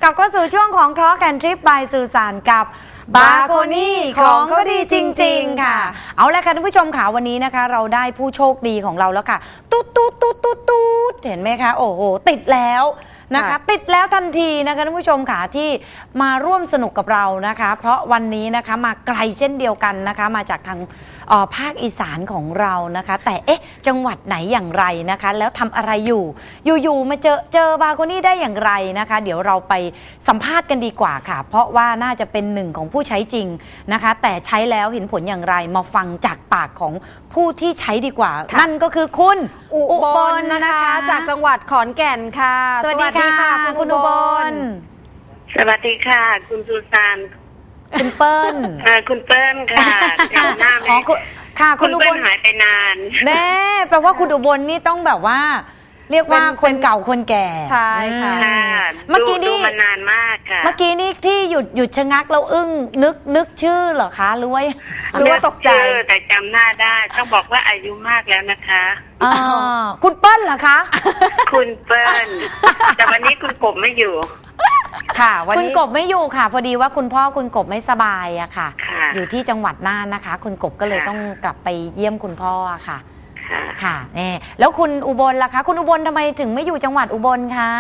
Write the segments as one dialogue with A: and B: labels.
A: ลับเข้าสู่ช่วงของ Talk and Trip by สื่อสารกับบาโคนี่ของก็ดีจริงๆค่ะเอาละค่ะท่านผู้ชมค่ะวันนี้นะคะเราได้ผู้โชคดีของเราแล้วค่ะตุ๊ดเห็นไหมคะโอ้โหติดแล้วนะคะติดแล้วทันทีนะคะท่านผู้ชมค่ะที่มาร่วมสนุกกับเรานะคะเพราะวันนี้นะคะมาไกลเช่นเดียวกันนะคะมาจากทางภาคอีสานของเรานะคะแต่จังหวัดไหนอย่างไรนะคะแล้วทำอะไรอยู่มาเจอบาโคนี่ได้อย่างไรนะคะเดี๋ยวเราไปสัมภาษณ์กันดีกว่าค่ะเพราะว่าน่าจะเป็นหนึ่งของผู้ใช้จริงนะคะแต่ใช้แล้วเห็นผลอย่างไรมาฟังจากปากของผู้ที่ใช้ดีกว่านั่นก็คือคุณ
B: อุบลนะคะจากจังหวัดขอนแก่นค่ะ
A: สวัสดีค่ะคุณอุบล
C: สวัสดีค่ะคุณสุสาน
A: คุณเปิ้ล
C: คุณเปิ้ลค่ะจำหน้าไม่
A: ค่ะคุณอุบล
C: หายไปนาน
A: แน่แปลว่าคุณอุบลนี่ต้องแบบว่าเรียกว่าคนเก่าคนแก่
B: ใช่ค่ะ
A: เมื่อกี้นี่
C: ดูมานานมากค่ะ
A: เมื่อกี้นี่ที่หยุดชะงักแล้วอึ้งนึกชื่อเหรอคะหรือว่าตกใจ
C: แต่จำหน้าได้ต้องบอกว่าอายุมากแล้วนะคะ
A: คุณเปิ้ลเหรอคะ
C: คุณเปิ้ลแต่วันนี้คุณกบไม่อยู่
A: ค่ะวันนี้คุณกบไม่อยู่ค่ะพอดีว่าคุณพ่อคุณกบไม่สบายอะค่ะอยู่ที่จังหวัดน่านนะคะคุณกบก็เลยต้องกลับไปเยี่ยมคุณพ่อค่ะค่ะนี่แล้วคุณอุบลล่ะคะคุณอุบลทำไมถึงไม่อยู่จังหวัดอุบลคะ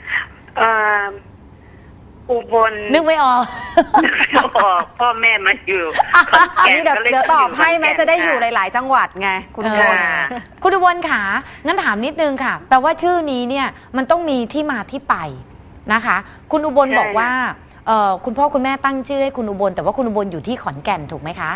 C: อุบล
A: นึกไม่ออก
C: พ่อแม่มาอยู่
B: อันนี้เดี๋ยวตอบให้แม้จะได้อยู่หลายๆจังหวัดไงคุณอุบล
A: คุณอุบลค่ะงั้นถามนิดนึงค่ะแปลว่าชื่อนี้เนี่ยมันต้องมีที่มาที่ไปนะคะคุณอุบลบอกว่าคุณพ่อคุณแม่ตั้งชื่อให้คุณอุบลแต่ว่าคุณอุบลอยู่ที่ขอนแก่นถูกไหมคะ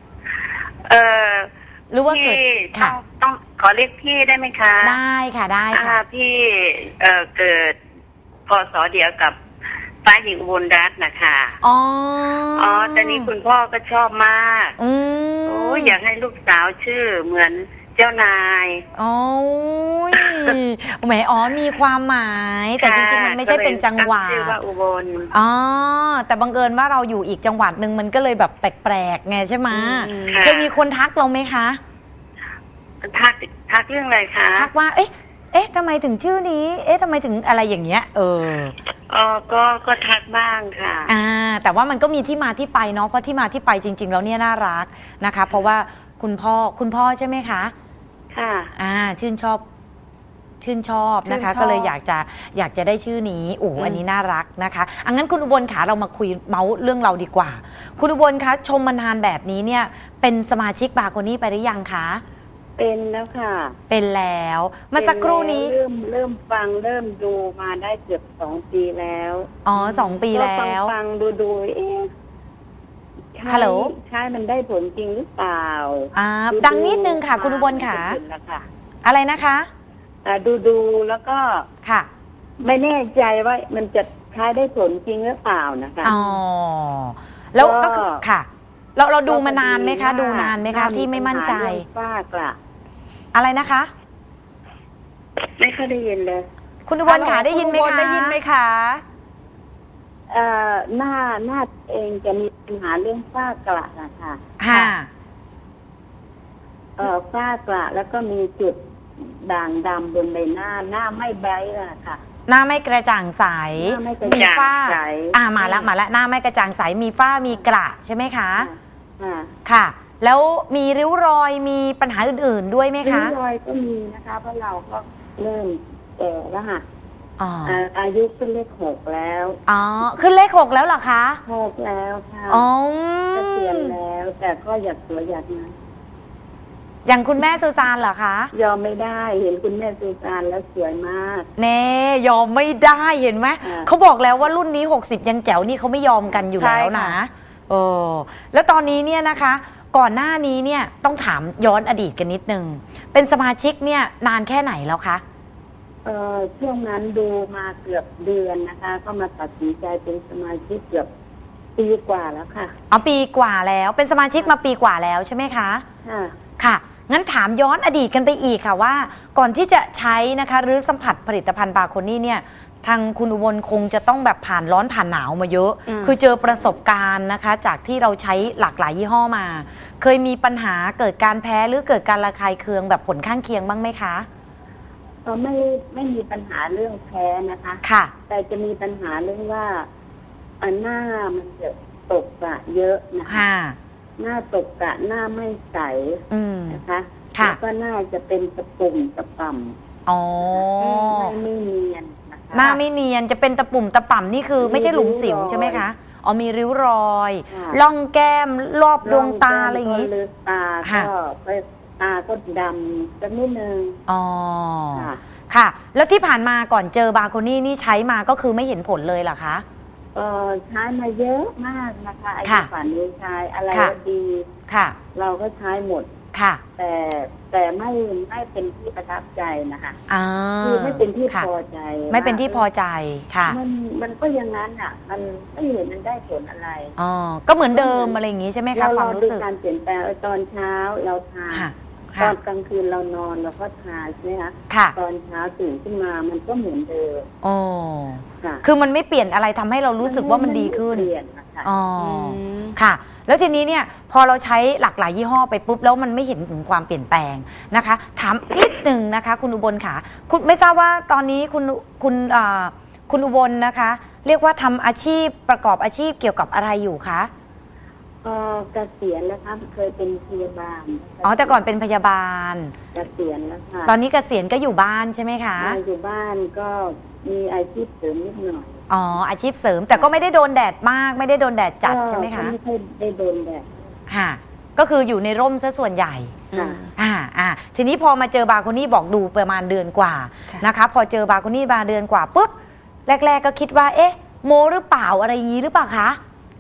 A: หรือว่าเกิด
C: ค่ะต้องขอเรียกพี่ได้ไหมคะ
A: ได้ค่ะได้ค่ะ
C: พี่เกิดพศเดียวกับฟ้าหญิงอุบลรัตน์นะคะ
A: อ๋อ
C: แต่นี้คุณพ่อก็ชอบมากโอ้อยากให้ลูกสาวชื่อเหมือนเจ้านาย
A: โอ้ยแหมมีความหมายแต่จริงๆมันไม่ใช่เป็นจังหวัด
C: ชื่อว่าอุบล
A: แต่บังเอิญว่าเราอยู่อีกจังหวัดหนึ่งมันก็เลยแบบแปลกๆไงใช่ไหมเคยมีคนทักเราไหมคะ
C: ทักเรื่องอะไรคะ
A: ทักว่าทำไมถึงชื่อนี้ทำไมถึงอะไรอย่างเงี้ย
C: ก็ทักบ้างค่ะ
A: แต่ว่ามันก็มีที่มาที่ไปเนาะเพราะที่มาที่ไปจริงๆแล้วเนี่ยน่ารักนะคะเพราะว่าคุณพ่อใช่ไหมคะ
C: ค่ะ
A: ชื่นชอบนะคะก็เลยอยากจะได้ชื่อนี้อันนี้น่ารักนะคะงั้นคุณอุบลขาเรามาคุยเมาส์เรื่องเราดีกว่าคุณอุบลคะชมมานานแบบนี้เนี่ยเป็นสมาชิกบาโคนี่ไปหรือยังคะ
C: เป็นแล้วค่ะ
A: เป็นแล้วเมื่อสักครู่นี้
C: เริ่มฟังเริ่มดูมาได้เกือบ2 ปีแล้ว
A: 2 ปีแล้ว
C: ฟังดู
A: ฮัลโหล
C: ใช่มันได้ผลจริงหรือเปล่า
A: ดังนิดนึงค่ะคุณอุบลค่ะอะไรนะคะ
C: ดูแล้วก็
A: ค่ะ
C: ไม่แน่ใจว่ามันจะใช้ได้ผลจริงหรือเปล่านะคะ
A: แล้วก็คือค่ะเราดูมานานไหมคะดูนานไหมคะที่ไม่มั่นใจ
C: ฝ้ากระ
A: อะไรนะคะ
C: ไม่ค่อยได้ยินเลย
A: คุณอุบลค่ะได้ยินไหมคะ
C: หน้าเองจะมีปัญหาเรื่องฝ้ากระนะคะฝ้ากระแล้วก็มีจุดด่างดำบนใบหน้าไม่ไบรท์ค่ะ
A: หน้าไม่กระจ่างใสมีฝ้ามาแล้วหน้าไม่กระจ่างใสมีฝ้ามีกระใช่ไหมคะค่ะแล้วมีริ้วรอยมีปัญหาอื่นๆด้วยไหมคะ
C: ริ้วรอยก็มีนะคะเพราะเราก็เริ่มแก่แล้วค่ะอายุขึ้นเลข 6แล้ว
A: ขึ้นเลข 6แล้วเหรอคะ
C: 6แล้วค่ะเกษียณแล้วแต่ก็อยากสวยอยากงาม
A: อย่างคุณแม่ซูซานเหรอคะ
C: ยอมไม่ได้เห็นคุณแม่ซูซานแล้วสวยมาก
A: เน่ยอมไม่ได้เห็นไหมเขาบอกแล้วว่ารุ่นนี้60ยังแจ๋วนี่เขาไม่ยอมกันอยู่แล้วนะแล้วตอนนี้เนี่ยนะคะก่อนหน้านี้เนี่ยต้องถามย้อนอดีตกันนิดนึงเป็นสมาชิกเนี่ยนานแค่ไหนแล้วคะ
C: ช่วงนั้นดูมาเกือบเดือนนะคะก็มาตัดสินใจเป็นสมาชิกเกือบปีกว่าแล้วค่ะ
A: ปีกว่าแล้วเป็นสมาชิกมาปีกว่าแล้วใช่ไหมคะค่ะงั้นถามย้อนอดีตกันไปอีกค่ะว่าก่อนที่จะใช้นะคะหรือสัมผัสผลิตภัณฑ์บาโคนี่เนี่ยทางคุณอุบลคงจะต้องแบบผ่านร้อนผ่านหนาวมาเยอะคือเจอประสบการณ์นะคะจากที่เราใช้หลากหลายยี่ห้อมาเคยมีปัญหาเกิดการแพ้หรือเกิดการระคายเคืองแบบผลข้างเคียงบ้างไหมคะ
C: ไม่มีปัญหาเรื่องแพ้นะคะ
A: ค่ะ
C: แต่จะมีปัญหาเรื่องว่าหน้ามันจะตกกระเยอะนะคะ
A: ค่ะ
C: หน้าตกกระหน้าไม่ใส
A: อืม
C: นะคะ
A: ค่ะ
C: แล้วก็หน้าจะเป็นตะปุ่มตะป่ำ
A: อ๋อ
C: ไม่เนียนนะคะ
A: หน้าไม่เนียนจะเป็นตะปุ่มตะป่ำนี่คือไม่ใช่หลุมสิวใช่ไหมคะอ๋อมีริ้วรอย
C: ค่ะ
A: ร่องแก้มรอบดวงตาอะไรอย่าง
C: นี้
A: นี้
C: ลึกตา
A: ค่ะ
C: ก็ตาก็ดำสักนิดนึง
A: อ๋อ
C: ค่ะ
A: ค่ะ แล้วที่ผ่านมาก่อนเจอบาโคนี่นี่ใช้มาก็คือไม่เห็นผลเลยเหรอคะ
C: ใช้มาเยอะมากนะคะไอ้
A: ค่ะ
C: ฝันนี้ใช้อะไร
A: ค่ะ
C: ก็ดี
A: ค่ะ
C: เราก็ใช้หมด
A: ค่ะ
C: แต่ไม่เป็นที่ประทับใจนะคะ
A: อ่า
C: คือไม่เป็นที่
A: ค่ะ
C: พอใจ
A: ไม่เป็นที่พอใจค่ะ
C: มันก็อย่างนั้นอ่ะ มันไม่เห็นมันได้ผลอะไร
A: อ๋อก็เหมือนเดิมอะไรอย่างนี้ใช่ไหมคะความรู้สึก
C: การเปลี่ยนแปลงตอนเช้าเราทา
A: ค่ะ
C: ต
A: ค่ะ
C: อนกลางคืนเรานอนเราก็ทาใช่ไหมคะ
A: ค่ะ
C: ตอนเช้าตื่นขึ้นมามันก็เหมือนเดิม
A: โอ้
C: ค่ะ
A: คือมันไม่เปลี่ยนอะไรทำให้เรารู้สึกว่ามันดีขึ้น
C: เปลี่ยนนะคะ
A: อ๋อค่ะ แล้วทีนี้เนี่ยพอเราใช้หลากหลายยี่ห้อไปปุ๊บแล้วมันไม่เห็นถึงความเปลี่ยนแปลงนะคะ ถามนิดหนึ่งนะคะ คุณอุบลค่ะคุณไม่ทราบว่าตอนนี้คุณอุบลนะคะ เรียกว่าทำอาชีพประกอบอาชีพเกี่ยวกับอะไรอยู่คะ
C: เกษียณแล้วครับเคยเป็นพยาบาลนะคะ
A: อ๋อแต่ก่อนเป็นพยาบาล
C: เกษียณแล้วค่ะ
A: ตอนนี้เกษียณก็อยู่บ้านใช่ไหมคะ
C: อยู่บ้านก็มีอาชีพเสริมนิดหน่อย
A: อ๋ออาชีพเสริมแต่ก็ไม่ได้โดนแดดมากไม่ได้โดนแดดจัดใช่ไหมคะ
C: ก็ไม่ค่อยได้โดนแดด
A: ค่ะก็คืออยู่ในร่มซะส่วนใหญ่
C: ค่ะ
A: ทีนี้พอมาเจอบาโคนี่บอกดูประมาณเดือนกว่า
B: ค่ะ
A: นะคะ พอเจอบาโคนี่มาเดือนกว่าปุ๊บแรกๆก็คิดว่าเอ๊ะโมหรือเปล่าอะไรอย่างนี้หรือเปล่าคะ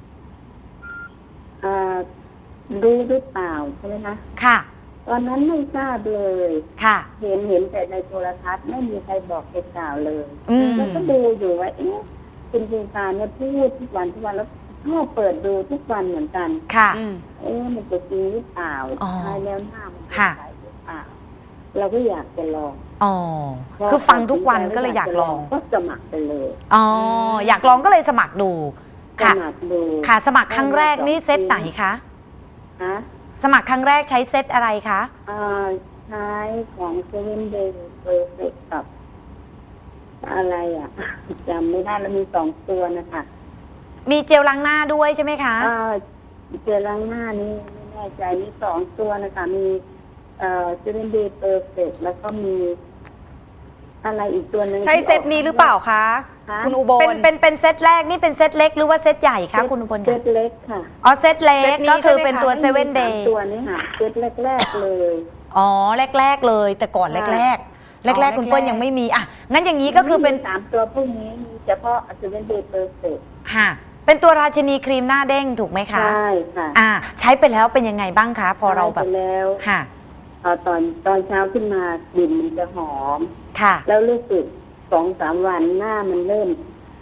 C: รู้หรือเปล่าใช่ไหมคะ
A: ค่ะ
C: ตอนนั้นไม่ทราบเลย
A: ค่ะ
C: เห็นแต่ในโทรทัศน์ไม่มีใครบอกใครกล่าวเลย
A: อืม
C: แล้วก็ดูอยู่ว่าเอ๊ะคุณภูมิการเนี่ยพูดทุกวันแล้วชอบเปิดดูทุกวันเหมือนกัน
A: ค่ะ
C: มันจะจริงหรือเปล่า
A: อ๋อ
C: ใช่แล้วหน้ามันจะ
A: ค่ะ
C: ใสหรือเปล่าเราก็อยากจะลอง
A: อ๋อคือฟังทุกวันก็เลยอยากลอง
C: ก็สมัครไปเลย
A: อ๋ออยากลองก็เลยสมัครดู
C: ส
A: ค่ะ
C: มัครดู
A: ค่ะสมัครครั้งแรกนี่เซตไหนคะ
C: ฮะ
A: สมัครครั้งแรกใช้เซตอะไรคะ
C: ใช้ของเซเว่นเดย์เพอร์เฟกกับอะไรอ่ะ จำไม่ได้แล้วมี2 ตัวนะคะ
A: มีเจลล้างหน้าด้วยใช่ไหมคะ
C: เจลล้างหน้านี่ไม่แน่ใจมี2 ตัวนะคะมีเซเว่นเดย์เพอร์เฟกแล้วก็มีอะไรอีกตัวหนึ่ง
B: ใช่เซตนี้หรือเปล่าคะ
C: คะ
B: คุณอุบล
A: เป็นเซตแรกนี่เป็นเซตเล็กหรือว่าเซตใหญ่คะคุณอุบล
C: เซ
A: คะ
C: ตเล็กค่ะ
A: อ๋อเซตเล็
B: เซ
A: ก
B: ตนี้
A: ก็คือ
B: ใช่ไหมคะ
A: เป็นตัวเซเว่นเดย์
C: ตัวนี้ค่ะเซตแรกๆเลย
A: อ๋อแรกๆเลยแต่ก่อน
C: ค่ะ
A: แรกๆคุณเปิ้ลยังไม่มีอ่ะงั้นอย่างนี้ก็คือเป็น
C: 3 ตัวพวกนี้มีเฉพาะเซเว่นเดย์เพอร์เฟก
A: ค่ะเป็นตัวราชินีครีมหน้าเด้งถูกไหมคะ
C: ใช่ค่ะ
A: ใช้ไปแล้วเป็นยังไงบ้างคะพอเราแบบ
C: ใช้ไปแล้ว
A: ค่ะ
C: ตอนเช้าขึ้นมากลิ่นมันจะหอม
A: ค่ะ
C: แล้วรู้สึก2-3 วันหน้ามันเริ่ม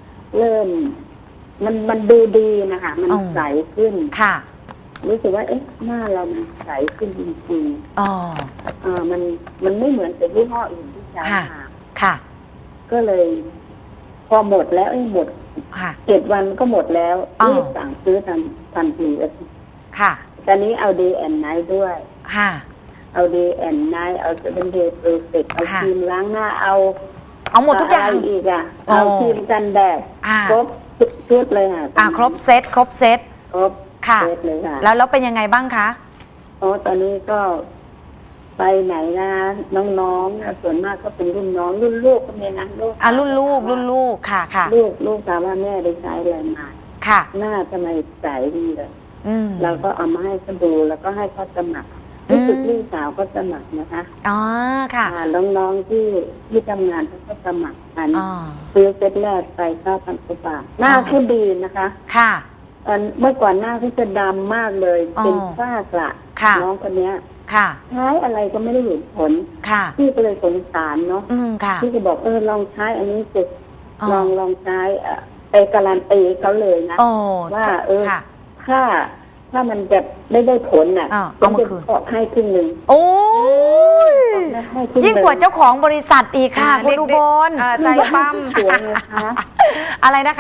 C: มันดูดีนะคะ มัน
A: อ๋อ
C: ใสขึ้น
A: ค่ะ
C: รู้สึกว่าเอ๊ะหน้าเรามันใสขึ้นจริง
A: อ๋อ
C: ๆมันไม่เหมือนกับยี่ห้ออื่นที่ใช้
A: ค่ะ
C: มา
A: ค่ะ
C: ก็เลย พอหมดแล้วหมด
A: ค่ะ
C: 7 วันก็หมดแล้ว
A: อ๋อ
C: รีบสั่งซื้อทันที
A: ค่ะ
C: ตอนนี้เอา Day and Night ด้วย
A: ค่ะ
C: เอา Day and Night เอา 7 Day Perfect เอา
A: ค่ะ
C: ครีมล้างหน้าเอา
A: หมดทุกอย่าง
C: ะไรอีกอ่ะ
A: อ๋อ
C: เอาครีมกันแดด
A: อ่า
C: ครบชุดเลยค่ะ
A: ครบเซตครบเซต
C: ครบ
A: ค่ะ
C: เซตเลยค่ะ
A: แล้วเป็นยังไงบ้างคะ
C: ตอนนี้ก็ไปไหนนะน้องๆนะส่วนมากก็เป็นรุ่นน้องรุ่นลูกก็มีนะลูก
A: รุ่นลูกค่ะค่ะ
C: ลูกถามว่าแม่ได้ใช้อะไรมา
A: ค่ะ
C: หน้าทำไมใสดีเลย
A: อืม
C: เราก็เอามาให้เขาดูแล้วก็ให้เขาสมัครรู้สึกลูกสาวก็สมัครนะคะ
A: อ๋อค่ะ
C: น้องๆที่ทำงานเขาก็สมัครกัน
A: อ๋อ
C: ซื้อเซตแรกไป9,000 กว่าบาทหน้าเขาดีนะคะ
A: ค่ะ
C: เมื่อก่อนหน้าเขาจะดำมากเลย
A: อ๋อ
C: เป็นฝ้ากระ
A: ค่ะ
C: น้องคนเนี้ย
A: ค่ะ
C: ใช้อะไรก็ไม่ได้เห็นผล
A: ค่ะ
C: พี่ก็เลยสงสารเนาะ
A: ค่ะ
C: พี่ก็บอกลองใช้อันนี้สิ
A: อ๋อ
C: ลองใช้ไปการันตีเขาเลยนะ
A: โอ้
C: ว่า
A: ค่ะ
C: ถ้ามันจะไม่ได้ผลน่ะ
A: เอามาคืน
C: ขอให้ครึ่งหนึ่ง
A: โอ้ย
C: ให้ครึ่
A: ยิ่งกว่าเจ้าของบริษัทอีกค่ะคุณอุบล
B: ใจปั้ม
C: สวยนะคะ
A: อะไรนะคะ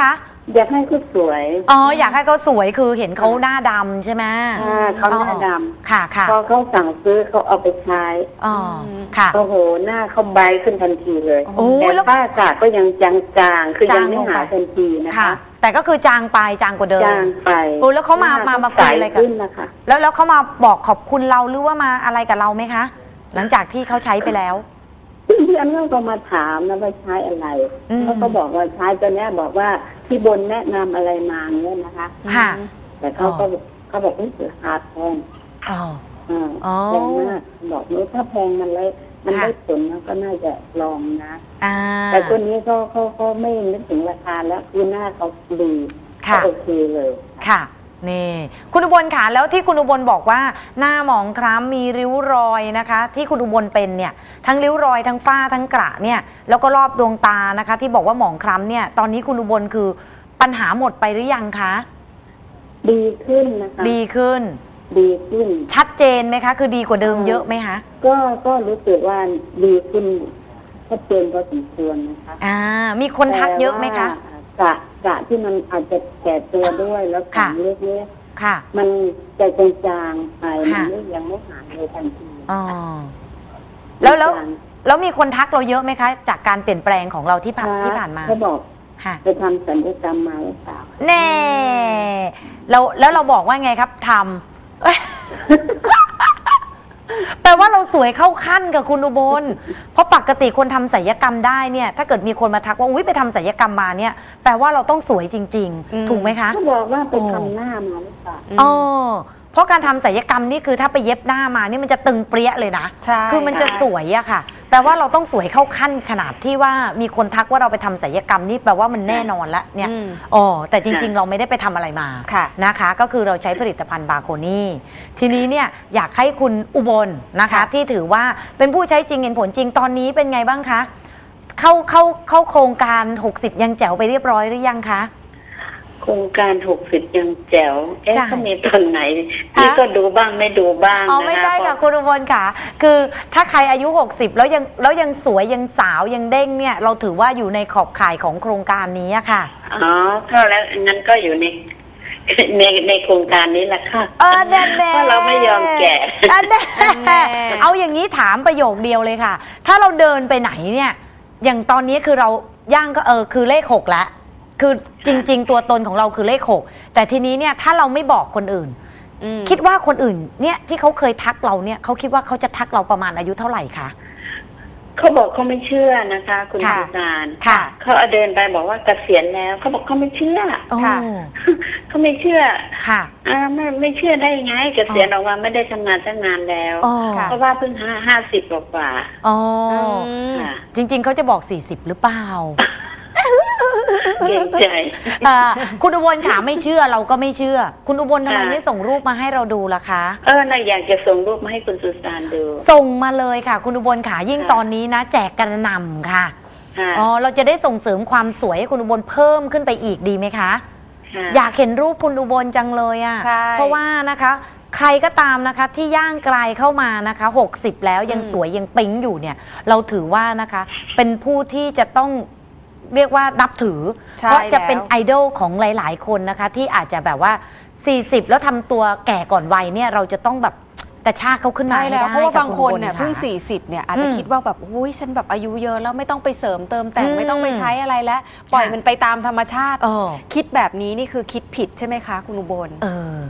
C: อยากให้เขาสวย
A: อ๋ออยากให้เขาสวยคือเห็นเขาหน้าดำใช่ไหม
C: เขาหน้าด
A: ค่ะค่ะ
C: ำพอเขาสั่งซื้อเขาเอาไปใช้
A: อ๋อค่ะ
C: โอ้โหหน้าเขาใบขึ้นทันทีเลย
A: โอ้ย
C: แต่
A: แล้ว
C: ฝ้ากระก็ยังจางๆคือยังไม่หายทันทีนะ
A: ค่ะ
C: คะ
A: แต่ก็คือจางไปจางกว่าเดิม
C: จางไป
A: โอ้แล้วเขามาคุยอะไรกัน
C: ใสขึ้นนะคะ
A: แล้วเขามาบอกขอบคุณเราหรือว่ามาอะไรกับเราไหมคะ หลังจากที่เขาใช้ไปแล้ว
C: เพื่อนๆก็มาถามนะว่าใช้อะไร เขาก็บอกว่าใช้ตัวเนี้ยบอกว่าพี่บนแนะนำอะไรมาเนี่ยนะคะ
A: ค่ะ
C: แต่เขาบอกว่าราคาแพง
A: อ๋อ
C: แพงมากบอกว่าถ้าแพงมันได้ผลนะก็น่าจะลองนะ
A: อ่า
C: แต่ตัวนี้เขาไม่นึกถึงราคาแล้วคือหน้าเขาดี
A: ค่ะ
C: ก็โอเคเลย
A: ค่ะนี่คุณอุบลค่ะแล้วที่คุณอุบลบอกว่าหน้าหมองคล้ำมีริ้วรอยนะคะ ที่คุณอุบลเป็นเนี่ยทั้งริ้วรอยทั้งฝ้าทั้งกระเนี่ยแล้วก็รอบดวงตานะคะ ที่บอกว่าหมองคล้ำเนี่ยตอนนี้คุณอุบลคือปัญหาหมดไปหรือยังคะ
C: ดีขึ้นนะคะ
A: ดีขึ้น
C: ดีขึ้น
A: ชัดเจนไหมคะ คือดีกว่าเดิมเยอะไหมคะ
C: ก็รู้สึกว่าดีขึ้นชัดเจนพอสมควรนะคะ
A: มีคนทักเยอะไหมคะ
C: แต่ว่ากะที่มันอาจจะแก่ตัวด้วยแล้ว
A: ค่ะ
C: ขนเล็ก
A: ค่ะ
C: ๆมันจะจางๆไปมันยังไม่หายเลยทันที
A: อ๋อแล้ว
C: จาง
A: แล้วมีคนทักเราเยอะไหมคะ จากการเปลี่ยนแปลงของเราที่ผ่านมา
C: เขาบอก
A: ค่ะ
C: ไปทำศัลยกรรมมาหรือเปล่า
A: แน่แล้วเราบอกว่าไงครับทำเอ้ย แปลว่าเราสวยเข้าขั้นกับคุณอุบล เพราะปกติคนทำศัลยกรรมได้เนี่ยถ้าเกิดมีคนมาทักว่าอุ๊ยไปทำศัลยกรรมมาเนี่ยแปลว่าเราต้องสวยจริง ๆ ถูกไหมคะ
C: เขาบอกว่าไปทำหน้ามาหรือเปล่า
A: อ๋อเพราะการทำศัลยกรรมนี่คือถ้าไปเย็บหน้ามานี่มันจะตึงเปรี้ยเลยนะ
B: ใช่
A: คือมันจะสวยอะค่ะแปลว่าเราต้องสวยเข้าขั้นขนาดที่ว่ามีคนทักว่าเราไปทำศัลยกรรมนี่แปลว่ามันแน่นอนละเนี่ยอ๋อแต่จริงๆ เราไม่ได้ไปทำอะไรมา
B: ค่ะ
A: นะคะ ก็คือเราใช้ผลิตภัณฑ์บาโคนี่ทีนี้เนี่ยอยากให้คุณอุบลนะคะ
B: ค่ะ
A: ที่ถือว่าเป็นผู้ใช้จริงเห็นผลจริงตอนนี้เป็นไงบ้างคะเข้าโครงการ60ยังแจ๋วไปเรียบร้อยหรือยังคะ
C: โครงการ60ยังแจ๋ว
A: ใช่
C: เขามีตอนไหนพี่ก็ดูบ้างไม่ดูบ้าง
A: อ๋อ
C: นะคะ
A: ไม่ใช่ค่ะคุณอุบลค่ะ คือถ้าใครอายุ 60 แล้วยังสวยยังสาวยังเด้งเนี่ยเราถือว่าอยู่ในขอบข่ายของโครงการนี้อะค่ะ
C: อ๋อก็แล้วงั้นก็อยู่ในโครงการนี้แหละค่ะ
A: แน่ๆ
C: เพราะเราไม่ยอมแก่
A: แน่ๆเอาอย่างนี้ถามประโยคเดียวเลยค่ะ ถ้าเราเดินไปไหนเนี่ยอย่างตอนนี้คือเราย่างก็คือเลข6แล้วคือจริง ๆ ตัวตนของเราคือเลข6แต่ทีนี้เนี่ยถ้าเราไม่บอกคนอื่น คิดว่าคนอื่นเนี่ยที่เขาเคยทักเราเนี่ยเขาคิดว่าเขาจะทักเราประมาณอายุเท่าไหร่คะ
C: เขาบอกเขาไม่เชื่อนะคะ คุณ
A: ค่ะ
C: สุสาน
A: ค่ะ
C: เขาเอาเดินไปบอกว่าเกษียณแล้วเขาบอกเขาไม่เชื่อ
B: ค่ะ
C: เขาไม่เชื่อ
A: ค่ะ
C: ไม่เชื่อได้ยังไงเกษียณออกมาไม่ได้ทำงานตั้งนานแล้ว
A: อ๋อ
C: เพราะว่าเพิ่ง50กว่า
A: อ๋อ
C: ค่ะ
A: จริง ๆเขาจะบอก40หรือเปล่า
C: เกรงใจ
A: คุณอุบลค่ะไม่เชื่อเราก็ไม่เชื่อ คุณอุบลทำไม
C: ค่ะ
A: ไม่ส่งรูปมาให้เราดูล่ะคะ
C: น่าอยากจะส่งรูปมาให้คุณสุสานดู
A: ส่งมาเลยค่ะ คุณอุบลค่ะยิ่ง
C: ค่ะ
A: ตอนนี้นะ แจกกระหน่ำค่ะ
C: ค่ะ
A: อ๋อเราจะได้ส่งเสริมความสวยให้คุณอุบลเพิ่มขึ้นไปอีกดีไหมคะ
C: ค่ะ
A: อยากเห็นรูปคุณอุบลจังเลยอะ
B: ใช่
A: เพราะว่านะคะใครก็ตามนะคะที่ย่างไกลเข้ามานะคะ60แล้วยังสวยยังปิ๊งอยู่เนี่ยเราถือว่านะคะเป็นผู้ที่จะต้องเรียกว่านับถือ
B: ใช่
A: เพราะจะเป็น
B: แล้ว
A: ไอดอลของหลาย ๆ คนนะคะที่อาจจะแบบว่า40แล้วทำตัวแก่ก่อนวัยเนี่ยเราจะต้องแบบกระชากเขาขึ้นมา
B: ใช่
A: ให้
B: แล้ว
A: ได้
B: เพราะว่า
A: ค่ะ
B: บางคนเนี่ย
A: ณอุบล
B: เพิ่ง
A: ค่ะ
B: 40เนี่ยอาจจะ
A: อืม
B: คิดว่าแบบอุ้ยฉันแบบอายุเยอะแล้วไม่ต้องไปเสริมเติมแต่ง
A: อืม
B: ไม่ต้องไปใช้อะไรแล้ว ปล่อยมันไปตามธรรมชาติ
A: เออ
B: คิดแบบนี้นี่คือคิดผิดใช่ไหมคะ คุณอุบล
A: เออ